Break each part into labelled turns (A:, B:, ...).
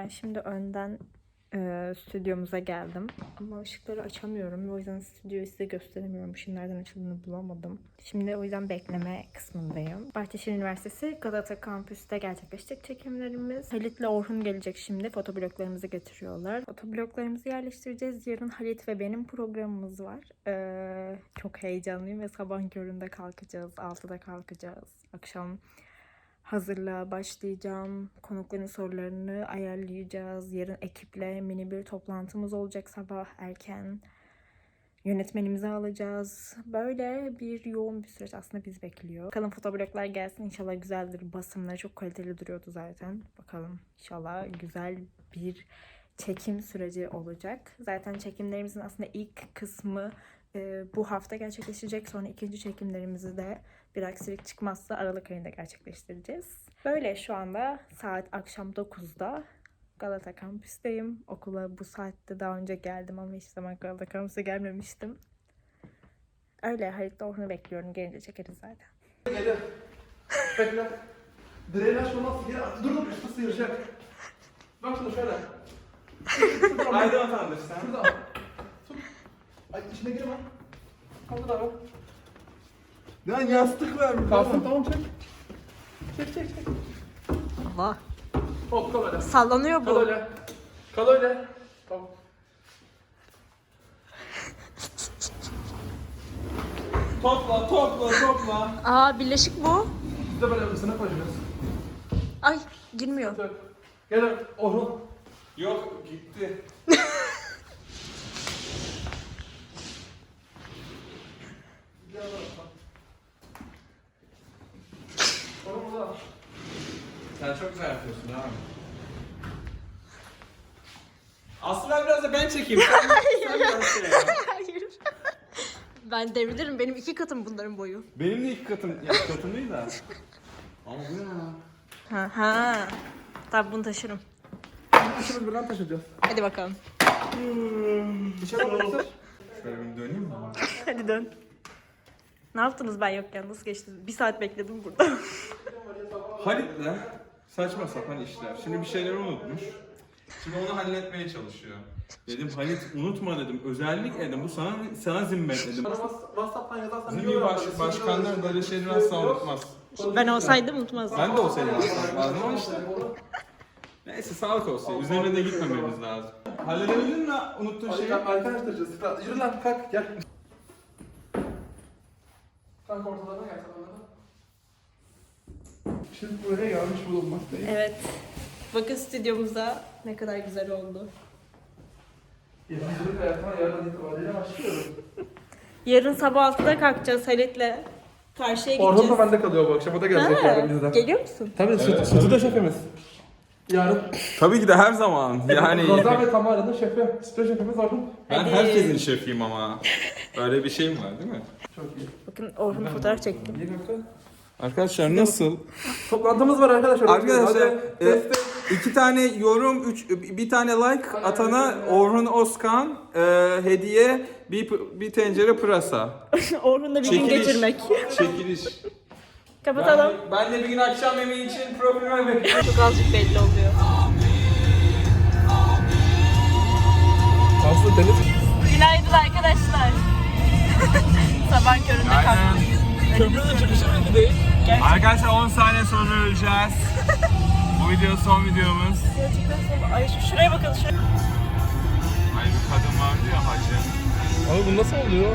A: Ben şimdi önden stüdyomuza geldim. Ama ışıkları açamıyorum. O yüzden stüdyoyu size gösteremiyorum. Işığın nereden açıldığını bulamadım. Şimdi o yüzden bekleme kısmındayım. Bahçeşehir Üniversitesi Galata Kampüs'te gerçekleşecek çekimlerimiz. Halit'le Orhun gelecek şimdi. Fotobloklarımızı getiriyorlar. Fotobloklarımızı yerleştireceğiz. Yarın Halit ve benim programımız var. Çok heyecanlıyım ve sabah köründe kalkacağız. 6'da kalkacağız. Akşam hazırlığa başlayacağım. Konukların sorularını ayarlayacağız. Yarın ekiple mini bir toplantımız olacak sabah erken. Yönetmenimizi alacağız. Böyle bir yoğun bir süreç aslında bizi bekliyor. Bakalım fotobloklar gelsin. İnşallah güzeldir. Basımları çok kaliteli duruyordu zaten. Bakalım inşallah güzel bir çekim süreci olacak. Zaten çekimlerimizin aslında ilk kısmı bu hafta gerçekleşecek. Sonra ikinci çekimlerimizi de bir aksilik çıkmazsa Aralık ayında gerçekleştireceğiz. Böyle şu anda saat akşam 9'da Galata Kampüs'teyim. Okula bu saatte daha önce geldim ama hiç zaman Galata Kampüs'e gelmemiştim. Öyle Halit'le Orhun'u bekliyorum. Gelince çekeriz zaten.
B: Gelir. Bekle. Direğini açmamaz. Dur üstü sıyıracak. Bak şunu şöyle.
C: Haydi vatandaş sen.
B: Şurada. Tut. Ay içine girme. Kaldır abi.
C: Lan yastık vermiş.
B: Kalsın tamam çek. Çek.
A: Allah.
B: Hop kal öyle.
A: Sallanıyor
B: Kal
A: bu.
B: öyle. Kal öyle. Tamam.
C: Topla.
A: Aa birleşik bu.
B: Biz de böyle ısına koyacağız.
A: Ay girmiyor.
B: Gel Orhun.
C: Yok gitti.
B: Orhun burada.
C: Sen çok güzel yapıyorsun abi. Aslında biraz da ben çekeyim. Sen biraz şey yap.
A: Hayır. Ben devrilirim. Benim 2 katım bunların boyu.
C: Benim de ilk katım, ya katım değil de. Ama bu ne ya?
A: Ha. Tabii bunu taşırım.
B: İkimiz birden taşıyacağız.
A: Hadi bakalım.
B: İçeri doğru.
C: Şöyle bir döneyim mi?
A: Hadi dön. Ne yaptınız ben yokken? Nasıl geçti? 1 saat bekledim burada.
C: Halit'le saçma sapan işler. Şimdi bir şeyler unutmuş. Şimdi onu halletmeye çalışıyor. Dedim Halit unutma dedim. Özellikle dedim bu sana zimmet dedim.
B: WhatsApp'tan yazarsan
C: Bizim başkanlar böyle şeyleri asla unutmaz.
A: Ben olsaydım unutmazdım.
C: Ben de olsaydım asla ama işte. Neyse sağlık olsun. Üzerine de gitmememiz lazım. Halledebildin mi unuttuğun şeyi?
B: Arkadaşlar yürü lan kalk gel. Kanka ortalarına gel ortalarına. Şimdi buraya gelmiş bulunmaktayız.
A: Evet. Bakın stüdyomuza ne kadar güzel oldu.
B: Yedicilik hayatıma yarın itibariyle başlıyorum.
A: Yarın sabah 6'da kalkacağız Halit'le. Karşıya
B: Orhun
A: gideceğiz.
B: da bende kalıyor bu akşam. O da gelecek yarın bizden.
A: Geliyor musun?
B: Tabii sütü de şefimiz. Yarın
C: Tabii ki de her zaman. Yani
B: Rozan ve Tamara'nın şefi. Sütü şefimiz Orhun.
C: ben
A: Hadi.
C: herkesin şefiyim ama. Öyle bir şeyim var değil mi?
B: Çok iyi.
A: Bakın Orhun fotoğraf çektim.
B: İyi kanka.
C: Arkadaşlar nasıl?
B: Toplantımız var arkadaşlar.
C: Arkadaşlar
B: Hadi.
C: 2 tane yorum, bir tane like atana Orhun Özkan hediye bir tencere pırasa.
A: Orhun'la bir gün geçirmek.
C: Çekiliş.
A: Kapatalım.
C: Ben de bir gün akşam yemeği için profilime bekliyorum.
A: Çok azıcık belli oluyor.
B: Aslında deniz.
A: Günaydın arkadaşlar. Sabah köründe kalktık.
B: Köprünün çıkışı belli değil.
C: Arkadaşlar 10 saniye sonra öleceğiz. Bu video son videomuz.
A: Gerçekten sabah. Ay şuraya bakın.
C: Ay bir kadın vardı ya hacı.
B: Abi bu nasıl oluyor?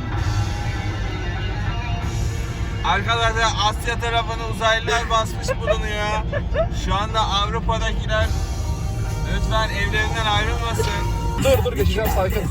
C: Arkadaşlar Asya tarafını uzaylılar basmış bulunuyor. Şu anda Avrupa'dakiler lütfen evlerinden ayrılmasın.
B: Dur geçeceğim sakin.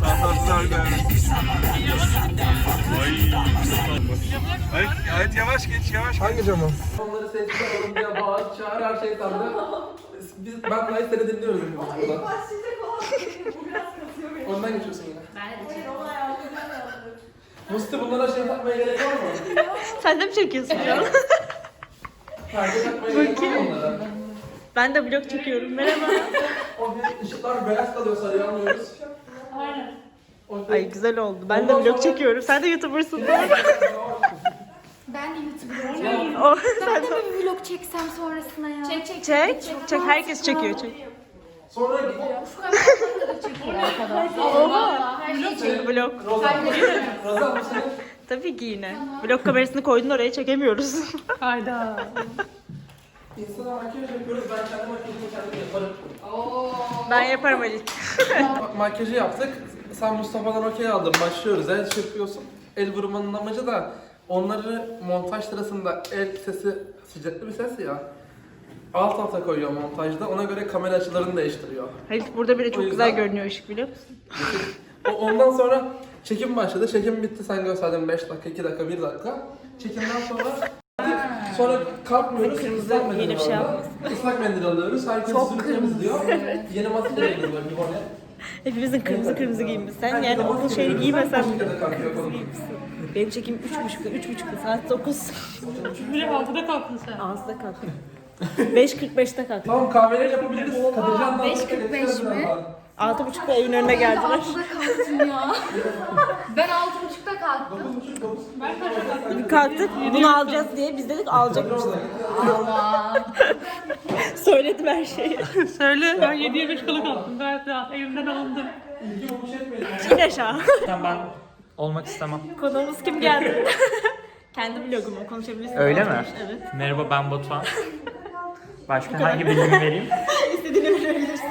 C: Evet yavaş geç.
B: Hangi camı? Onları sessiz alalım diye bağır, çağır her şey tanrı. Ben Kayıt seni dinliyoruz. İlk başlayacak olan bu biraz kasıyor beni. Ondan geçiyorsun yine. Ben de geçiyorum. Musti bunlara şey yapmaya gerek var mı?
A: Sen de mi çekiyorsun şu an?
B: Perde takmaya gerek var mı onlara?
A: Ben de vlog çekiyorum. Merhaba.
B: O ışıklar beyaz kalıyor sarıya almıyoruz.
D: Aynen.
A: Ay güzel oldu. Ben de vlog çekiyorum. Sen de YouTuber'sın.
D: Ben de YouTuber'ım.
A: O,
D: Ben de bir vlog çeksem sonrasına ya. Çek.
A: Çek. Herkes çekiyor. Çek.
B: Sonra
E: Şu kamerayı da çekiyor arkadaşlar. Her şeyi çekiyor.
A: Vlog.
B: Razan bu senin.
A: Tabii ki yine. Vlog kamerasını koydun oraya çekemiyoruz.
D: Hayda.
B: İnsana makyaj yapıyoruz. Ben kendi makyajımı kendim yaparım.
A: Ben yaparım Ali.
B: Makyajı yaptık. Sen Mustafa'dan okey aldın. Başlıyoruz. El çırpıyorsun. El vurmanın amacı da onları montaj sırasında el sesi sıcaklı bir ses ya. Alt alta koyuyor montajda. Ona göre kamera açılarını değiştiriyor.
A: Halit burada bile
B: O
A: çok
B: yüzden-
A: güzel görünüyor ışık biliyor musun?
B: Ondan sonra çekim başladı. Çekim bitti. Sen gösterdin 5 dakika, 2 dakika, 1 dakika. Çekimden sonra kalkmıyoruz.
A: Kırmızı
B: Islak mendil
A: yeni bir şey
B: orada. Islak mendil alıyoruz. Herkes yüzünü temizliyor. Yeni maske geliyor böyle bir hone.
A: Hepimizin kırmızı kırmızı giymişsen yani okul şeyi giymesen
B: Kaç dakikada kalkıyor konu?
A: benim çekim 3.30'da saat 9.
D: Bile 6'da kalktın sen.
A: 6'da kalktım. 5.45'te kalktım.
B: Tamam kahveleri yapabiliriz. Kadircan da
E: 5.45 mi?
A: 6.30'da evin önüne geldiler.
E: 6'da kalktım ya. Ben 6.30'da kalktım.
A: Kalktık bunu alacağız diye biz dedik alacakmışız.
E: Allah.
A: Söyledim her şeyi.
D: Söyle. Ben 7'ye 5 kala kalktım. Gayet rahat. Evimden alındım.
A: İn aşağı.
F: Ben olmak istemem.
A: Konuğumuz kim geldi? Kendi vlogumu konuşabilirsin.
F: Öyle mi?
A: Evet.
F: Merhaba ben Batuhan. Başka hangi bilgimi vereyim?
A: İstediğini verebilirsin.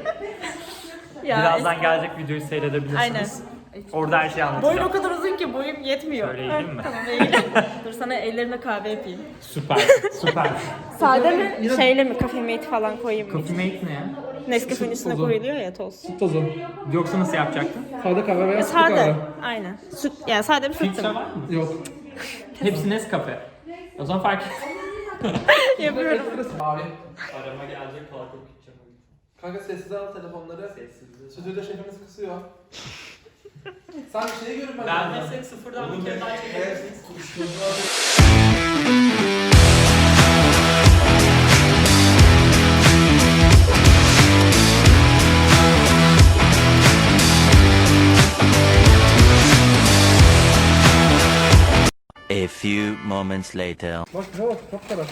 A: Ya,
F: Birazdan gelecek videoyu seyredebilirsiniz.
A: Aynen.
F: Orada her şeyi
A: Boyun
F: anlatacağım.
A: o kadar uzun ki boyum yetmiyor.
F: Şöyle eğileyim mi?
A: Tamam eğilim. Dur sana ellerime kahve yapayım.
F: Süper, süper.
A: Sade mi? Şeyle mi? Cafe Mate falan koyayım mı?
F: Coffee Mate ne ya?
A: Nescafe'nin üstüne koyuluyor ya toz.
B: Tozu.
F: Yoksa nasıl yapacaktın?
B: Sade kahve veya sütlü
A: Sade.
B: kahve.
A: Aynen. Süt, yani sade bir süt.
F: Filtre var mı?
B: Yok.
F: Hepsi Nescafe. O zaman fark et.
A: Yapıyorum.
B: Mavi.
F: Arama gelecek kalkıp gideceğim.
B: Kanka sessize al telefonları. Stüdyoda şefimiz kısıyor. Sen bir şeyi görüp
F: Ben meslek sıfırdan bir kere daha çekebilirsiniz.
G: A few moments later.
B: Bak ne bak kapkara.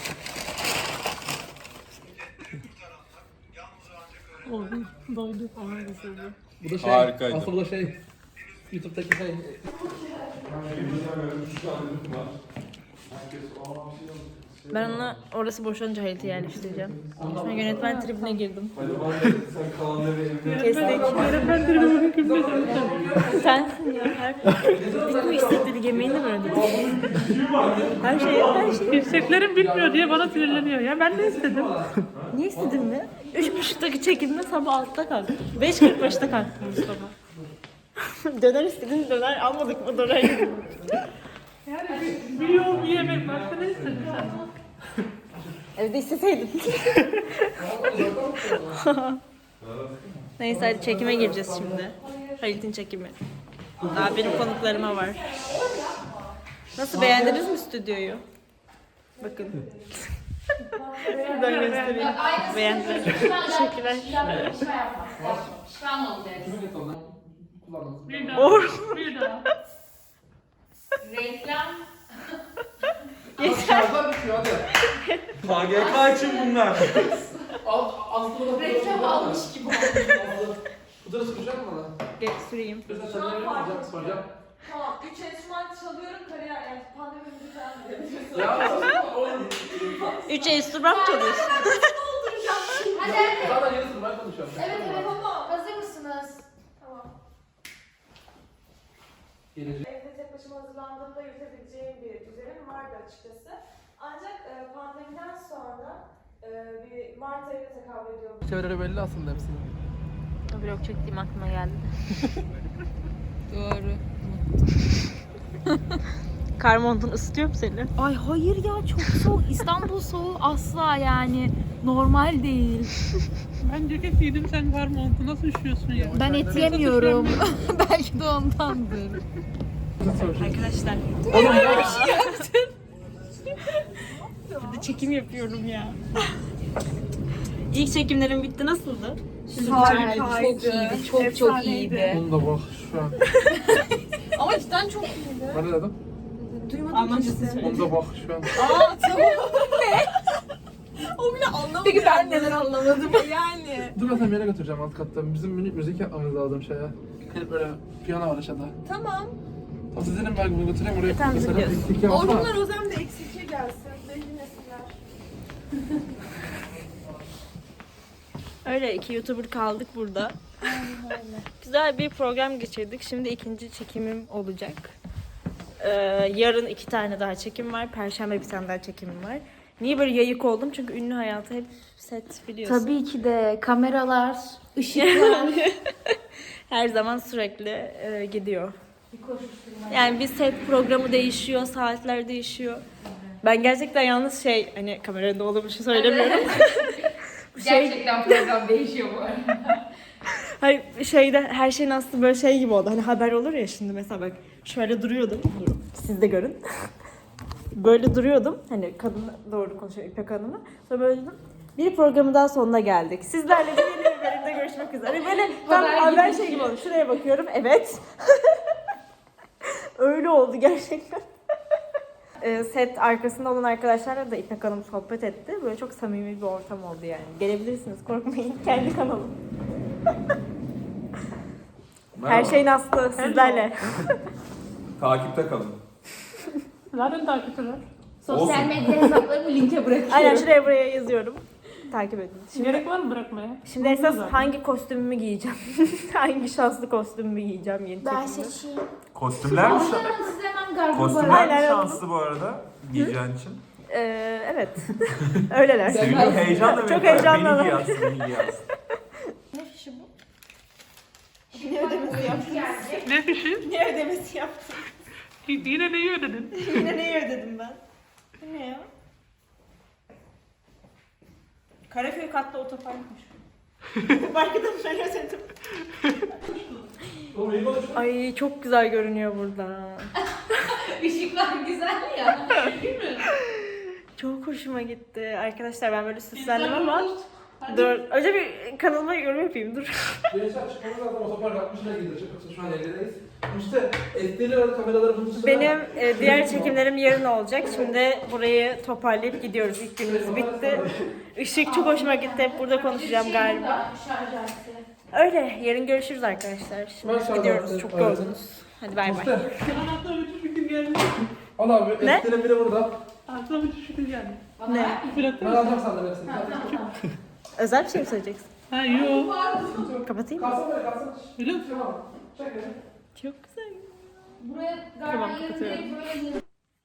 D: Doyduk. Ona da söylüyorum.
B: Bu da şey.
C: Harikaydı.
B: Aslında bu da şey. YouTube'daki şey.
A: Ben ona orası boşanınca Halit'i yerleştireceğim. Şu an yönetmen tribine girdim.
C: Sen kalanları evine...
A: Kestik.
D: Ben tribüme küfür
A: Sensin ya. Bitti mi istediğini yemeğini mi ödedik? Her şey.
D: İsteklerim bitmiyor diye bana sinirleniyor. Ya ben ne istedim?
A: Niye istedin mi? 3.30'daki çekimde sabah 6'da kalktım. 5.45'te kalktım Mustafa. Döner istedin, döner almadık mı döner yedim.
D: Yani bir yol bir yemek. Başka ne istedin sen?
A: Evde isteseydin. Neyse hadi çekime gireceğiz şimdi. Halit'in çekimi. Daha benim konuklarıma var. Nasıl beğendiniz mi stüdyoyu? Bakın. Şuradan göstereyim. Beğendiler. Teşekkürler.
E: Şifan olacak.
B: Kullanmamız.
D: Bir daha.
A: Or.
D: Bir daha.
E: Reklam.
B: Şarjlar bitiyor hadi.
C: KGK için bunlar.
B: Aslında
E: Reklam almış gibi oldu.
B: Pudra süreceğim mi bana?
A: Geç süreyim.
B: Soracağım.
H: Tamam, 3 enstrüman çalıyorum, kariyer yani pandemi müziği falan verebiliyorsun.
B: Ya
A: 3 enstrüman çalıyorsun.
E: Hadi hadi.
B: zaten yarısını ben konuşuyorum.
E: Evet evet. Hazır mısınız?
H: Tamam.
B: Gelecek.
H: Evde tek başıma hazırlandığımda yürütebileceğim bir düzenim vardı açıkçası. Ancak pandemiden sonra bir Mart ayına tekabül ediyor.
B: Çevreleri belli aslında hepsinin.
A: Vlog çektiğim aklıma geldi.
E: Doğru.
A: Kar montun ısıtıyor mu seni?
E: Ay hayır ya çok soğuk. İstanbul soğuğu asla yani normal değil.
D: Ben ceket giydim sen var montu. Nasıl üşüyorsun ya?
E: Ben et yemiyorum. Belki de ondandır.
A: Arkadaşlar. Burada çekim yapıyorum ya. İlk çekimlerim bitti. Nasıldı?
E: Çok iyiydi. Çok çok iyiydi.
B: Bunu da bak şu an.
E: Ama cidden çok iyiydi.
B: Ben ne dedim?
A: Almancası
B: Bunu da bak şu an.
H: O bile anlamadı.
A: Peki ben neden anlamadım? Yani.
B: Dur ben seni bir yere götüreceğim alt katta. Bizim minik müzik yapmamız lazım şeye. Gelip böyle piyano var aşağıda.
H: Tamam.
B: Tamam sizlerin ben bunu götüreyim oraya.
A: Tamam, biz
B: Mesela
A: gidiyoruz.
B: eksik yapma.
H: Orhunlar Ozan da eksikliğe gelsin. Belirlesinler.
A: Öyle 2 YouTuber kaldık burada. Güzel bir program geçirdik. Şimdi ikinci çekimim olacak. Yarın 2 tane daha çekim var. Perşembe bir tane daha çekimim var. Niye böyle yayık oldum? Çünkü ünlü hayatı hep set biliyorsun.
E: Tabii ki de kameralar, ışıklar.
A: Her zaman sürekli gidiyor. Yani bir set programı değişiyor, saatler değişiyor. Ben gerçekten yalnız hani kamerada olduğum için söylemiyorum.
E: Gerçekten program değişiyor bu arada.
A: Hayır her şeyin aslında böyle gibi oldu. Hani haber olur ya şimdi mesela bak şöyle duruyordum. Durun. Siz de görün. Böyle duruyordum. Hani kadın doğru konuşuyor İpek Hanım'ı. Sonra böyle dedim. Bir programın daha sonuna geldik. Sizlerle de yeni bir bölümde görüşmek üzere. Hani böyle tam haber gibi oldu. Şuraya bakıyorum. Evet. Öyle oldu gerçekten. Set arkasında olan arkadaşlarla da İpek Hanım sohbet etti. Böyle çok samimi bir ortam oldu yani. Gelebilirsiniz korkmayın. Kendi kanalım. Her şeyin aslı sizlerle.
C: Takipte kalın.
D: Zaten takipçiler.
E: Sosyal medya hesaplarımı linke bırakıyorum.
A: Aynen şuraya buraya yazıyorum. Takip edin.
D: Gerek var mı bırakmaya?
A: Şimdi esas hangi kostümümü giyeceğim? Hangi şanslı kostümümü giyeceğim yeni çekimde?
E: seçeyim.
C: Kostümler mi?
E: Onların size hemen gardırobu
C: Kostümler
A: Aynen,
C: mi
A: evet.
C: şanslı bu arada giyeceğin için?
A: Evet. Öyleler.
C: Sevgili heyecanla
A: Çok heyecanlı.
C: Beni giy aslında, beni giy aslında.
A: Ne fişi bu? Ne ödemesi yaptın?
D: Ne fişi?
A: Ne ödemesi yaptın?
D: Yine neyi ödedin?
A: Yine neyi ödedim ben? Bu ne ya? Karaköy katlı otoparkmış. Otoparkı da ben ödedim. Ay çok güzel görünüyor burada.
E: Işıklar güzel ya. Değil mi?
A: Çok hoşuma gitti. Arkadaşlar ben böyle süslendim ama dur. Önce bir kanalıma yorum yapayım dur.
B: Gençler çıkmamız lazım. Otopark 60 lira gidiyor. Şu an evdeyiz. İşte SD'li kameraları bunun için.
A: Benim diğer çekimlerim yarın olacak. Şimdi burayı toparlayıp gidiyoruz. İlk günümüz bitti. Işık çok hoşuma gitti. Hep burada konuşacağım galiba. Öyle. Yarın görüşürüz arkadaşlar. Şimdi
B: Ben
A: gidiyoruz. Çok
B: evet.
A: yorgunuz. Hadi bay bay.
D: Bana aklıma bir fikir geldi.
B: Al abi.
A: Ne?
B: SD'nin biri burada.
D: Aklıma bir fikir geldi.
A: Ne?
D: Fırat'ı
B: Ben alacağım sandım hepsini.
A: Özel bir şey mi söyleyeceksin?
D: Ha yok.
A: Kapatayım mı?
B: Kalsın böyle kalsın.
D: Öyle mi?
B: Tamam. Çek beni.
A: Çok güzel.
E: Buraya
A: Tamam,
E: galiba yarın
A: kapatıyorum.
E: direkt böyle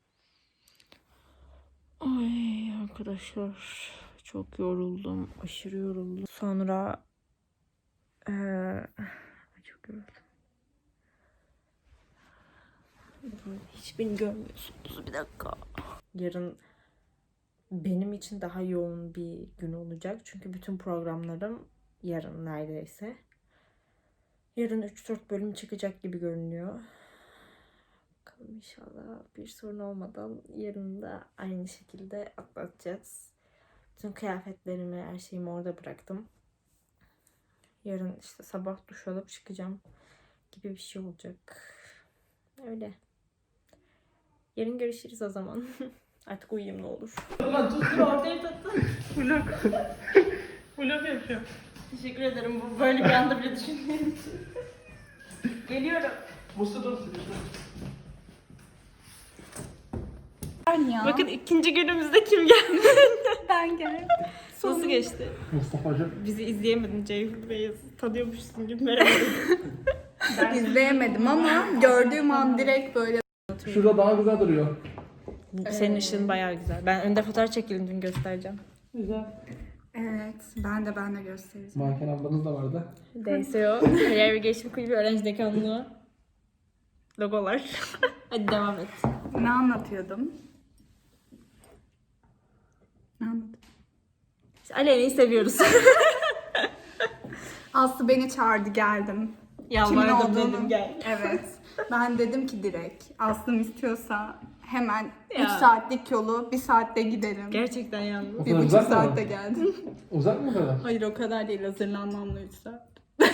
A: Ay arkadaşlar çok yoruldum. Aşırı yoruldum. Sonra çok yoruldum. Hiç beni görmüyorsunuz. Bir dakika. Yarın benim için daha yoğun bir gün olacak. Çünkü bütün programlarım yarın neredeyse. Yarın 3-4 bölüm çıkacak gibi görünüyor. Bakalım inşallah bir sorun olmadan yarın da aynı şekilde atlatacağız. Bütün kıyafetlerimi, her şeyimi orada bıraktım. Yarın işte sabah duş alıp çıkacağım gibi bir şey olacak. Öyle. Yarın görüşürüz o zaman. Artık uyuyayım ne olur. Dur ortaya tattın.
D: Vlog. Vlog yapıyorum.
A: Teşekkür ederim. Bu böyle bir anda bile düşünmedim. Geliyorum.
B: Musta dur.
A: Bakın ikinci günümüzde kim geldi?
E: ben geldim.
A: Nasıl geçti?
B: Mustafa'cığım.
A: Bizi izleyemedin Ceyhun Bey'i tanıyormuşsun gibi merhaba.
I: İzleyemedim ama gördüğüm an direkt böyle
B: Şurada daha güzel duruyor.
A: Senin ışığın bayağı güzel. Ben önde fotoğraf çekildim dün göstereceğim.
D: Güzel.
I: evet ben de göstereceğim.
B: Manken ablanız da vardı.
A: DSO, Kariyer ve Gelişim Kulübü Öğrenci Dekanlığı. Logolar. Hadi devam et.
I: Ne anlatıyordum? Ne anlatıyordum?
A: İşte Aleyna'yı seviyoruz.
I: Aslı beni çağırdı geldim.
A: Yalvardım
I: olduğunu-
A: dedim gel.
I: Evet. Ben dedim ki direkt Aslım istiyorsa hemen
A: Ya.
I: 3 saatlik yolu 1 saatte giderim.
A: Gerçekten yalnız.
B: O
I: 1,5
B: kadar uzak mı?
I: saatte geldim.
B: Uzak mı o kadar?
I: Hayır o kadar değil hazırlanmamla 3 saat.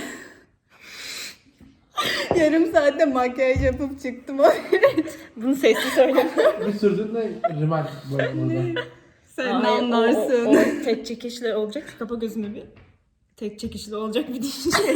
I: Yarım saatte makyaj yapıp çıktım.
A: Bunu sesli söyle.
B: Bir sürdün de rimel böyle burada.
I: Sen
A: Hayır,
I: anlarsın.
A: O tek çekişle olacak. Kapa gözünü bir. Tek çekişle olacak bir şey.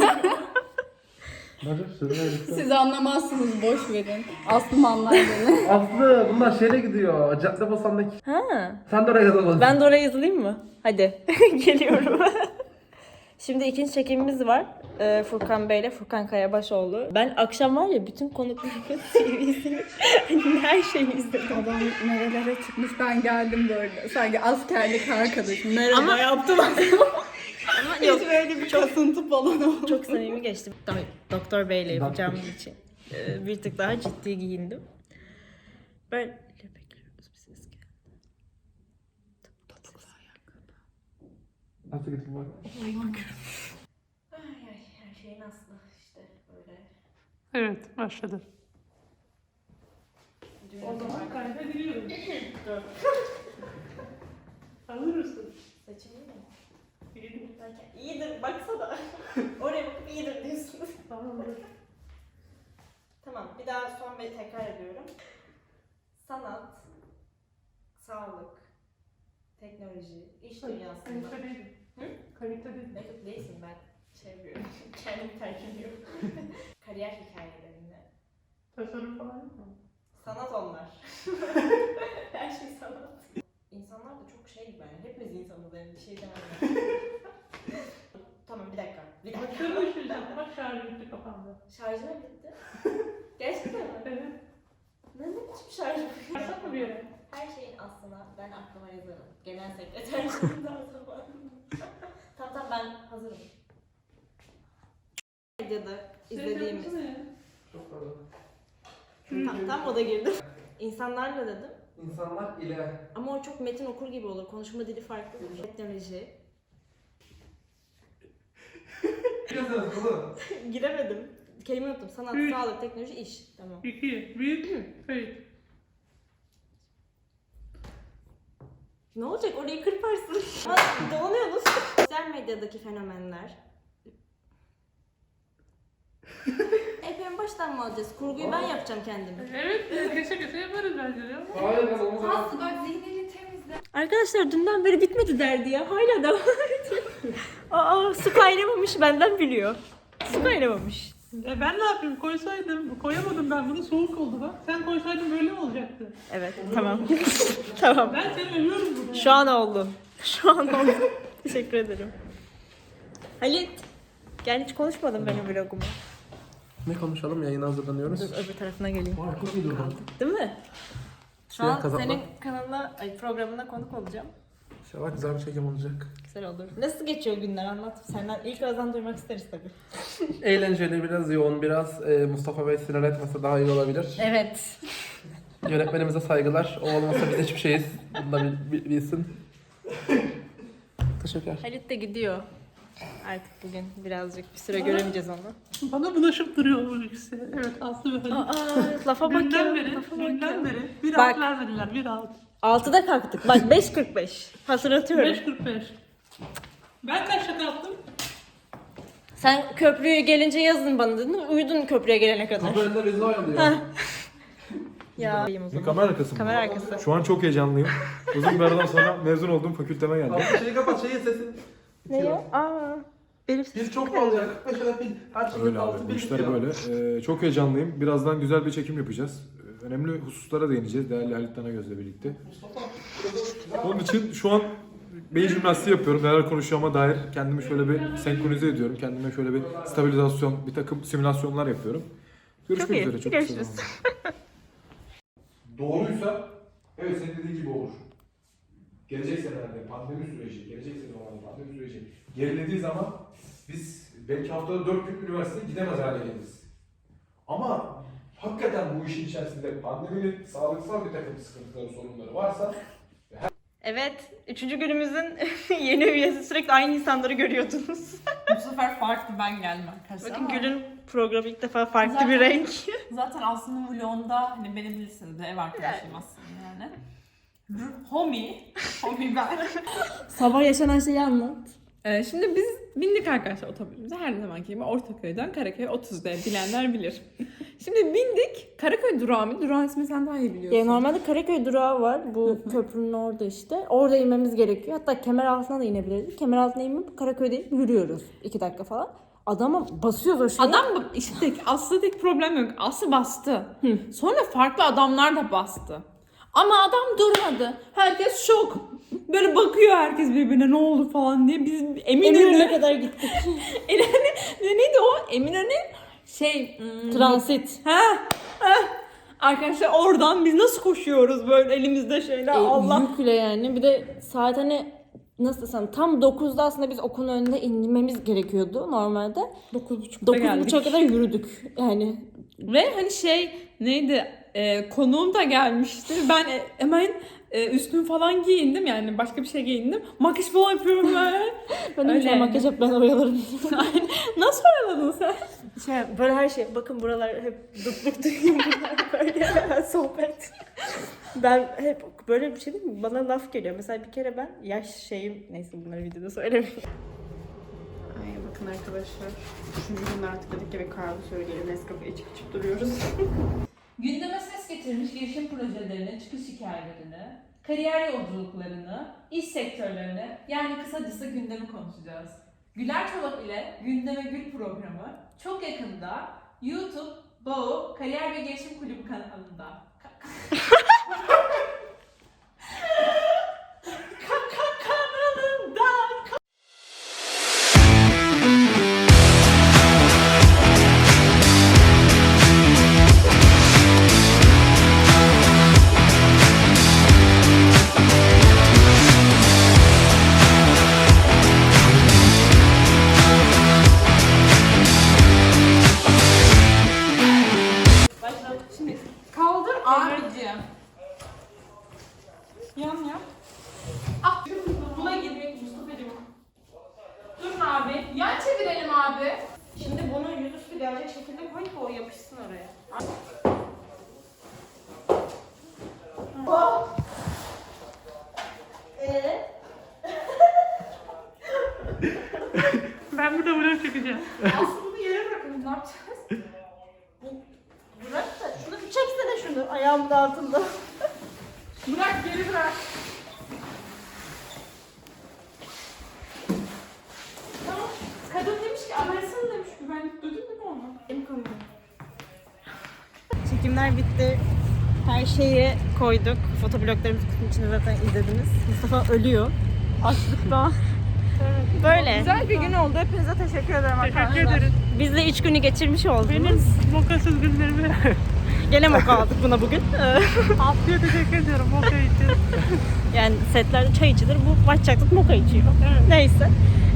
I: Siz anlamazsınız, boş verin. Aslım anlar beni.
B: Aslı bunlar şeyle gidiyor. Caddebostan'daki.
A: Ha.
B: Sen de oraya yazamadın.
A: Ben de oraya yazılayım mı? Hadi. Geliyorum. Şimdi ikinci çekimimiz var. Furkan Bey ile Furkan Kayabaşoğlu. Ben akşam var ya bütün konuklarımın TV'sini her şeyi izledim.
I: Adam nerelere çıkmış, ben geldim böyle. Sanki askerlik arkadaşım. Merhaba yaptım.
A: Ama yok.
I: Hiç böyle bir kasıntı falan oldu.
A: Çok samimi geçti. Doktor Bey ile yapacağım için. Bir tık daha ciddi giyindim. Böyle bekliyoruz bir ses geldi.
B: Nasıl gittin bak?
H: Her şeyin aslı işte böyle.
D: Evet, başladı. O zaman kaydediliyorum. Hazır mısın?
H: Saçım iyi mi? İyidir baksana. Oraya bakıp iyidir diyorsunuz.
D: Tamamdır.
H: Tamam, bir daha son bir tekrar ediyorum. Sanat, sağlık, teknoloji, iş dünyasında.
D: Kalite değilim.
H: Hı?
D: Kalite değilim.
H: Yok değilsin, ben şey yapıyorum, kendimi terk ediyorum. Kariyer hikayelerinde.
D: Tasarım falan yok mu?
H: Sanat onlar. Her şey sanat. İnsanlar da çok şey gibi yani, hepimiz insanız yani bir şey demem. Tamam bir dakika.
D: Bakıyorum işte, bak şarjı bitti kafamda.
H: Şarjım bitti. Gerçekten mi?
D: Evet.
H: Ne biçim şarjım?
D: Başlat mı bir yere?
H: Her şeyin aslına ben aklıma yazarım. Genel sekreterliğinden zaman. Tamam ben hazırım. Medyada izlediğimiz.
B: Çok pardon.
H: Tam o da girdi. İnsanlarla dedim.
B: İnsanlar ile.
H: Ama o çok metin okur gibi olur. Konuşma dili farklı. Teknoloji.
B: Yazarız oğlum.
H: Giremedim. Kelime unuttum. Sanat,
D: Üç.
H: sağlık, teknoloji, iş. Tamam.
D: 2, 1, kayıt.
H: Ne olacak? Orayı kırparsın. Ama dolanıyorsunuz. Sosyal medyadaki fenomenler. En baştan mı alacağız? Kurguyu ben yapacağım kendim.
D: Evet, kese yaparız bence de.
B: Hayır ben onu zaman.
I: Aslı bak zihnini temizle.
A: Arkadaşlar dünden beri bitmedi derdi ya. Hala devam ediyor. Aa su kaynamamış benden biliyor. Su kaynamamış.
D: Ben ne yapayım? Koysaydım. Koyamadım ben bunu. Soğuk oldu bak. Sen koysaydın böyle mi olacaktı?
A: Evet tamam. Tamam.
D: Ben seni övüyorum burada.
A: Şu an oldu. Şu an oldu. Teşekkür ederim. Halit. Gel hiç konuşmadım benim vlogumu.
B: Ne konuşalım? Yayına hazırlanıyoruz.
A: Dur öbür tarafına geleyim.
B: Vay çok iyi durdun.
A: Değil mi? Şu
B: Siyah
A: an
B: kazakla.
A: senin kanalına, programına konuk olacağım.
B: İnşallah güzel bir çekim olacak.
A: Güzel olur. Nasıl geçiyor günler anlat. Senden ilk ağızdan duymak isteriz tabii.
B: Eğlenceli, biraz yoğun, biraz Mustafa Bey sinir etmese daha iyi olabilir.
A: Evet.
B: Yönetmenimize saygılar. O olmasa biz hiçbir şeyiz. Bunu da bilsin. Teşekkürler.
A: Halit de gidiyor. Artık bugün birazcık bir süre göremeyeceğiz onu.
D: Bana bulaşıp duruyor bu ikisi. Evet, Aslı ve Halit.
A: Aa, lafa bak ya.
D: Dünden beri,
A: Lafa bak ya.
D: dünden beri bir
A: Bak.
D: alt vermediler, bir alt.
A: 6'da kalktık. Bak 5.45. Hatırlatıyorum.
D: 5.45. Ben kaçta kalktım?
A: Sen köprüye gelince yazın bana dedin. Uyudun köprüye gelene kadar.
B: Kapı önünde bizi oyalıyor.
A: Ya.
J: Kamera arkası mı?
A: Kamera arkası.
J: Şu an çok heyecanlıyım. Uzun bir aradan sonra mezun olduğum fakülteme geldim.
B: Abi şeyi kapat, şeyin sesini.
A: Ne ya? Aa. Elif
B: Biz çok fazla ya. 45 lira pil. Her şeyin
J: Öyle
B: altı
J: abi, bu
B: bir
J: işler
B: bitiyor.
J: böyle. Çok heyecanlıyım. Birazdan güzel bir çekim yapacağız. Önemli hususlara değineceğiz değerli Halit Tanagöz'le birlikte. Onun için şu an beyin jimnastiği yapıyorum. Neler konuşacağıma dair kendimi şöyle bir senkronize ediyorum. Kendime şöyle bir stabilizasyon, bir takım simülasyonlar yapıyorum. Görüşmek
A: Çok iyi.
J: üzere. Çok
A: Görüşürüz.
J: kısa zamanda. Doğruysa, evet senin dediğin gibi olur. Gelecek senelerde pandemi süreci, gelecek senelerde pandemi süreci gerilediği zaman biz belki haftada 4 gün üniversiteye gidemez hale geliriz. Ama hakikaten bu işin içerisinde pandeminin sağlıksal bir takım sıkıntıları, sorunları varsa
A: Evet. 3. günümüzün yeni üyesi. Sürekli aynı insanları görüyordunuz.
K: Bu sefer farklı ben geldim arkadaşlar.
A: Bakın
K: ama
A: Gül'ün programı ilk defa farklı
K: Zaten-
A: bir renk.
K: zaten Aslı'nın vlogunda hani beni bilirsiniz de ev arkadaşıyım aslında yani. Homie ben.
A: Sabah yaşanan şeyi anlat.
K: Şimdi biz bindik arkadaşlar otobüsümüze her zamanki gibi Ortaköy'den Karaköy'e 30'da bilenler bilir.
I: Şimdi bindik. Karaköy durağı mı? Durağın ismini sen daha iyi biliyorsun.
A: Ya normalde Karaköy durağı var. Bu köprünün orada işte. Orada inmemiz gerekiyor. Hatta Kemeraltı'na da inebiliriz. Kemeraltı'na inmeyip Karaköy'de inip yürüyoruz 2 dakika falan. Adama basıyoruz o şeyi.
I: Adam işte Aslı tek problem yok. Aslı bastı. Sonra farklı adamlar da bastı. Ama adam durmadı. Herkes şok. Böyle bakıyor herkes birbirine ne oldu falan diye. Biz
A: Eminönü'ne kadar gittik.
I: Neydi o? Eminönü
A: Transit.
I: Arkadaşlar oradan biz nasıl koşuyoruz böyle elimizde şeyler Allah.
A: Yükle yani. Bir de saat hani nasıl desem tam 9'da aslında biz okulun önünde inmemiz gerekiyordu normalde.
I: 9.30'da geldik.
A: 9.30'a kadar yürüdük yani.
I: Ve hani neydi? Konuğum da gelmişti. Ben hemen üstümü falan giyindim yani başka bir şey giyindim. Makyaj falan yapıyorum ben.
A: Ben de bir şey makyaj yap ben oyalarım.
I: Nasıl oyaladın sen?
A: Böyle her şey. Bakın buralar hep dutluk duyuyorum. Böyle sohbet. Ben hep böyle bir şey değil mi? Bana laf geliyor. Mesela bir kere ben neyse bunları videoda söylemeyeyim. Ay bakın arkadaşlar. 3. gün artık dedik ki ve kahve söyleyelim. Nescafe içip duruyoruz.
K: Gündeme ses getirmiş girişim projelerini, çıkış hikayelerini, kariyer yolculuklarını, iş sektörlerini yani kısacası gündemi konuşacağız. Güler Çolak ile Gündeme Gül programı çok yakında YouTube, Bağ, Kariyer ve Gelişim Kulübü kanalında.
I: Kaldır abicim. Yan yap.
K: Buna girmek Mustafa'cığım. Durun abi. Yan çevirelim abi.
H: Şimdi bunu yüzüstü gelecek şekilde koy ki o yapışsın oraya.
D: Ben burada vlog çekeceğim.
H: Aslında bunu yere bırakın. Ne yapacağız? Bırak da şunu bir çeksene şunu ayağımın altında.
K: Bırak geri bırak.
H: Tamam. Kadın demiş ki arasın demiş. Güvenlik duydun değil mi onu?
A: Benim konum. Çekimler bitti. Her şeyi koyduk. Fotobloglarımızı kutunun içinde zaten izlediniz. Mustafa ölüyor. Açlıktan. Böyle.
I: Güzel bir gün oldu. Hepinize teşekkür ederim arkadaşlar.
D: Teşekkür ederiz.
A: Biz de 3 günü geçirmiş oldunuz.
D: Benim mokasız günlerimi
A: Gene moka aldık buna bugün.
D: Aslı'ya teşekkür ediyorum moka için.
A: Yani setlerde çay içilir. Bu başçaklık moka içiyor.
D: Evet.
A: Neyse.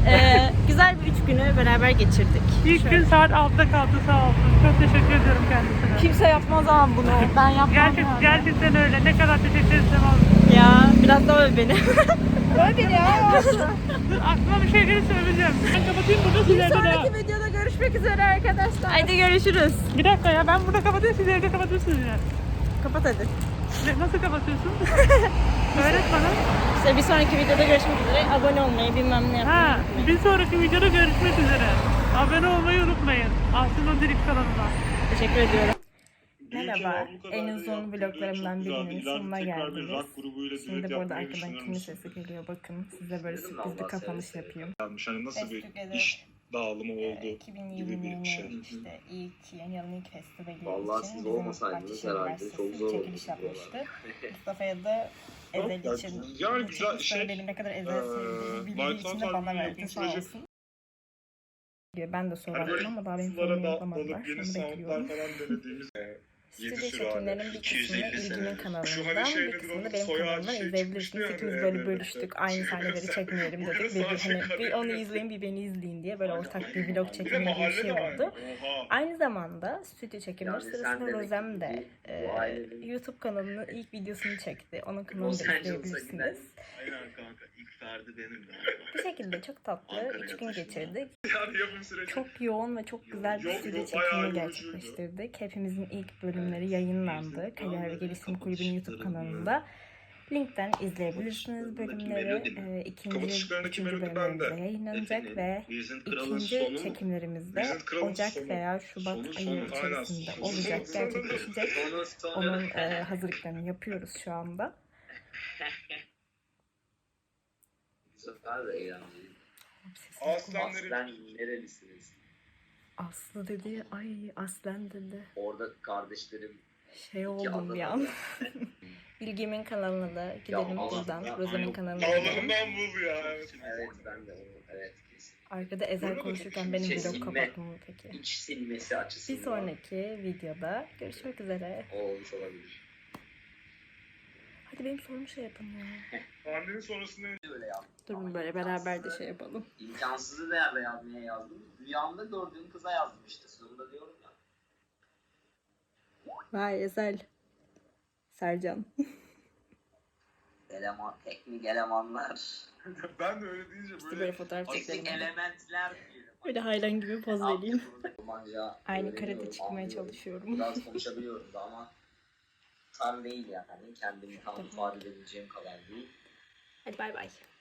A: Güzel bir 3 günü beraber geçirdik.
D: İlk gün saat 6'da kalktı sağ olsun. Çok teşekkür ediyorum kendisine.
I: Kimse yapmaz ama bunu. Ben yapmam.
D: Gerçekten öyle. Ne kadar teşekkür etsem az.
A: Ya biraz daha öv beni.
I: Öyle beni ya.
D: Aklıma bir şey gelirse öveceğim. Ben kapatayım burada siz evde devam.
I: Sonraki videoda görüşmek üzere arkadaşlar.
A: Haydi görüşürüz.
D: Bir dakika ya ben burada kapatayım siz evde kapatıyorsunuz ya.
A: Kapat hadi.
D: Nasıl kapatıyorsun? Öğret bana.
A: İşte bir sonraki videoda görüşmek üzere. Abone olmayı bilmem ne yapmayı.
D: Ha, bir sonraki videoda görüşmek üzere. Abone olmayı unutmayın. Aslı'nın Dirip kanalına.
A: Teşekkür ediyorum. Merhaba, en uzun vloglarımdan birinin sonuna geldiniz. Şimdi burada arkadan kimin sesi geliyor bakın. Size böyle sürpriz bir kapanış yapayım.
L: Hani nasıl bir iş dağılımı oldu gibi bir şey.
A: İşte ilk yılın ilk festivali
L: Vallahi
A: için
L: siz
A: bizim
L: olmasaydınız
A: Bahçeşehir
L: herhalde çok
A: Üniversitesi
L: zor
A: çekiliş
L: olurdu
A: yapmıştı. Mustafa'ya da Ezel
L: Ya,
A: için
L: yani
A: bu
L: güzel
A: çekiliş
L: şey,
A: benim ne kadar Ezel sevdiğimi bildiği
L: Light
A: için de bana verdi sağ
L: proje-
A: olsun. Ben de soru
L: Hani
A: attım ama daha benim
L: sulara
A: sorumu
L: da
A: yapamadılar.
L: alıp yeni
A: Onu
L: soundlar
A: bekliyorum.
L: falan denediğimiz
A: Stüdyo
L: 7 sürü
A: çekimlerinin
L: hala,
A: bir kısmını
L: 250
A: İlgimin
L: sene.
A: kanalından,
L: Şu hani şey
A: bir
L: nedir
A: kısmını
L: onun
A: benim
L: soy
A: kanalımdan
L: ağacı
A: izleyebilirsiniz.
L: çıkmıştı ya
A: İkimiz
L: hani
A: böyle
L: evde.
A: bölüştük. Aynı sahneleri çekmeyelim
L: Burada
A: dedik. Bir,
L: sadece
A: hani, bir onu izleyin bir beni izleyin diye böyle ortak bir vlog
L: Bir de
A: çekimi gibi bir
L: mahalle
A: şey
L: de var.
A: oldu.
L: Oha.
A: Aynı zamanda stüdyo çekimleri sırasında Rozem de YouTube kanalının ilk videosunu çekti. Onun kanalını da izleyebilirsiniz.
L: Aynen kanka ilk verdi benim ya.
A: Bu şekilde çok tatlı 3 gün geçirdik.
L: Yani yapım süreci.
A: Çok yoğun ve çok güzel bir stüdyo çekimi gerçekleştirdik. Hepimizin ilk bölümleri yayınlandı. Kariyer ve Gelişim Kulübü'nün YouTube kanalında. Linkten izleyebilirsiniz bölümleri. İkinci bölümümüzde yayınlanacak ve ikinci çekimlerimiz de Ocak veya Şubat ayı içerisinde olacak, gerçekleşecek. Onun hazırlıklarını yapıyoruz şu anda.
L: Güzel ve eğlenceli.
A: Aslan
L: nerelisiniz?
A: Aslı dedi, ay aslan dedi.
L: Orada kardeşlerim
A: Şey oldum bir an. Bilgimin kanalına da gidelim buradan. Rozan'ın kanalına gidelim.
L: bul ya. Evet ben de evet kesin.
A: Arkada Ezel konuşurken benim vlog kapatmam mı peki?
L: İç silmesi açısından.
A: Bir sonraki videoda görüşmek üzere.
L: O olmuş olabilir.
A: Hadi benim sorumu şey yapın ya.
L: Annenin sonrasında öyle yaptım.
A: Durun böyle beraber de şey yapalım.
L: İmkansızı nerede yazmaya yazdım? Rüyamda gördüğüm kıza yazdım işte. Sonunda diyorum ya.
A: Vay Ezel. Sercan.
L: Teknik elemanlar.
C: Ben de öyle deyince
A: İşte böyle fotoğraf çekelim.
L: Teknik elementler diyelim.
A: Böyle hayran gibi poz vereyim.
L: Almanca
A: Aynı
L: öğreniyorum,
A: karede çıkmaya
L: anlıyorum.
A: çalışıyorum.
L: Biraz konuşabiliyorum da ama tam değil yani. Kendimi tam ifade edebileceğim kadar değil.
A: Hadi bay bay.